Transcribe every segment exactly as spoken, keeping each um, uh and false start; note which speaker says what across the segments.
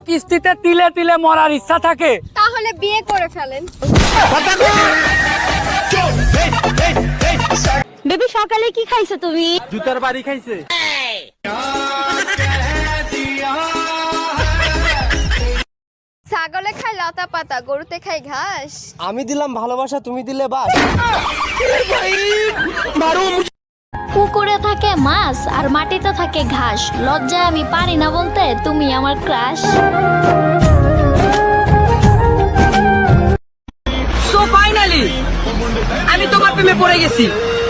Speaker 1: কিস্তিতে তিলে তিলে মরার ইচ্ছা থাকে
Speaker 2: তাহলে বিয়ে করে ফেলেন। বেবি সকালে কি খাইছো তুমি?
Speaker 1: জুতার বাড়ি খাইছে।
Speaker 2: ছাগলে খায় লতা পাতা, গরুতে খায় ঘাস।
Speaker 3: আমি দিলাম ভালোবাসা, তুমি দিলে বাস।
Speaker 4: পুকুরে থাকে মাছ আর মাটিতে থাকে ঘাস, লজ্জায় আমি পারি না বলতে তুমি আমার ক্রাশ।
Speaker 1: সো ফাইনালি আমি তোমার প্রেমে পড়ে গেছি।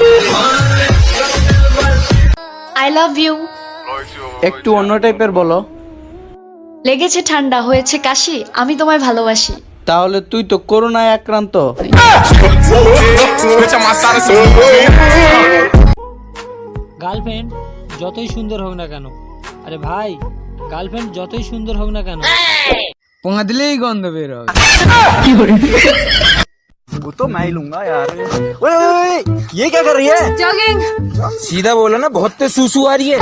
Speaker 4: I love you.
Speaker 5: একটু অন্য টাইপের বলো।
Speaker 4: লেগেছে ঠান্ডা, হয়েছে কাশি, আমি তোমায় ভালোবাসি।
Speaker 5: তাহলে তুই তো করোনায় আক্রান্ত।
Speaker 6: গার্লফ্রেন্ড যতই সুন্দর হোক না কেন, আরে ভাই গার্লফ্রেন্ড যতই সুন্দর হোক না কেন,
Speaker 5: পোঙা দিলেই গন্ধ বের হবে।
Speaker 3: वो तो मैं ही लूंगा यार। ओए ओए ये क्या कर रही है?
Speaker 2: জগিং।
Speaker 3: सीधा बोलो ना, बहुत तेज सुसु आ रही है।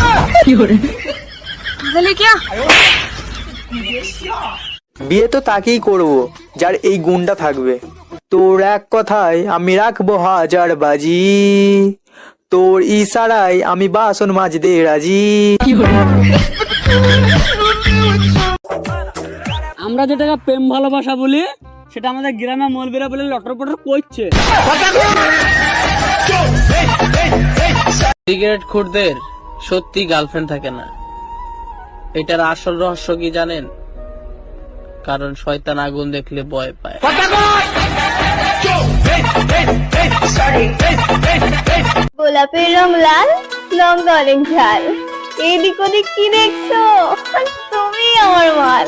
Speaker 3: বিয়ে তো তাকেই করব যার এই গুণটা থাকবে। তোর এক কথায় আমি রাখবো হাজার বাজি, তোর ইশারায় আমি বাসন মাজতে রাজি।
Speaker 1: আমরা যেটাকে প্রেম ভালোবাসা বলি সেটা আমাদের গ্রামে মলবিরা বলে লটর পটর করছে।
Speaker 5: সিগারেট খুরদের সত্যি গার্লফ্রেন্ড থাকে না। এটার আসল রহস্য কি জানেন? কারণ শয়তান আগুন দেখলে ভয় পায়।
Speaker 2: গোলাপের রং লাল, লঙ্কা অনেক ঝাল, এদিক ওদিক কি দেখছো? তুমি আমার মাল।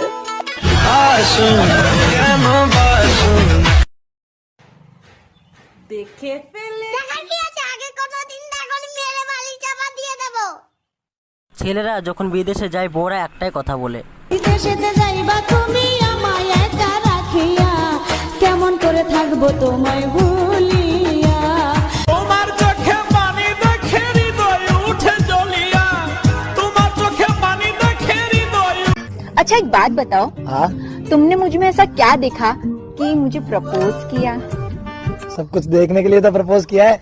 Speaker 7: দেখে ফেলে
Speaker 8: ছেলেরা যখন বিদেশে যায় বউরা একটাই কথা বলে,
Speaker 7: বিদেশেতে যাইবা তুমি আমায় একা রাখিয়া, কেমন করে থাকবো তোমায় ভুলিয়া।
Speaker 1: তোমার চোখে পানি দেখে হৃদয় উঠে জ্বলিয়া, তোমার চোখে পানি দেখে হৃদয়।
Speaker 2: अच्छा एक बात बताओ,
Speaker 3: हाँ
Speaker 2: तुमने मुझ में ऐसा क्या देखा कि मुझे प्रपोज किया?
Speaker 3: सब कुछ देखने के लिए तो प्रपोज किया है।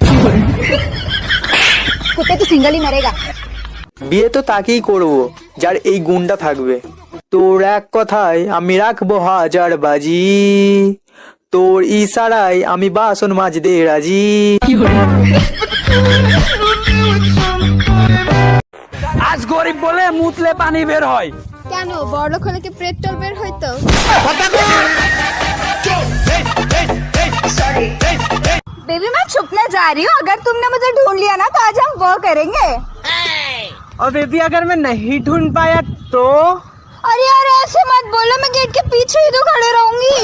Speaker 2: कुत्ते तो सिंगल ही मरेगा।
Speaker 3: বিয়ে তো তাকেই করব যার এই গুণটা থাকবে। তোর এক কথায় আমি রাখবো হাজার বাজি, তোর ইশারায় আমি বাসন মাজতে রাজি।
Speaker 1: আজ গরিব বলে মুতলে পানি বের হয়।
Speaker 2: কেন বড়লোক হলে কি পেট্রোল বের হইতো? बेबी मैं छुपने जा रही हूँ, अगर तुमने मुझे ढूंढ लिया ना तो आज हम वो करेंगे।
Speaker 3: और बेबी अगर मैं नहीं ढूंढ पाया तो?
Speaker 2: अरे यार ऐसे मत बोलो, मैं गेट के पीछे ही तो खड़े रहूंगी।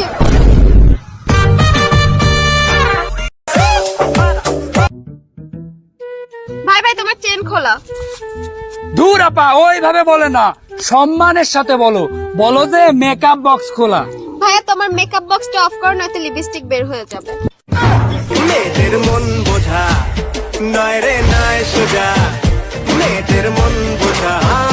Speaker 2: भाई भाई तुम्हारा चेन खोला।
Speaker 1: দূর আপা, ওইভাবে বলে না, সম্মানের সাথে বলো। বলো যে মেকআপ বক্স খোলা।
Speaker 2: ভাইয়া তোমার মেকআপ বক্সটা অফ করো, নয়তো লিপস্টিক বের হয়ে যাবে।
Speaker 9: মেয়েদের মন বোঝা নয় রে নয় সোজা, মেয়েদের মন বোঝা।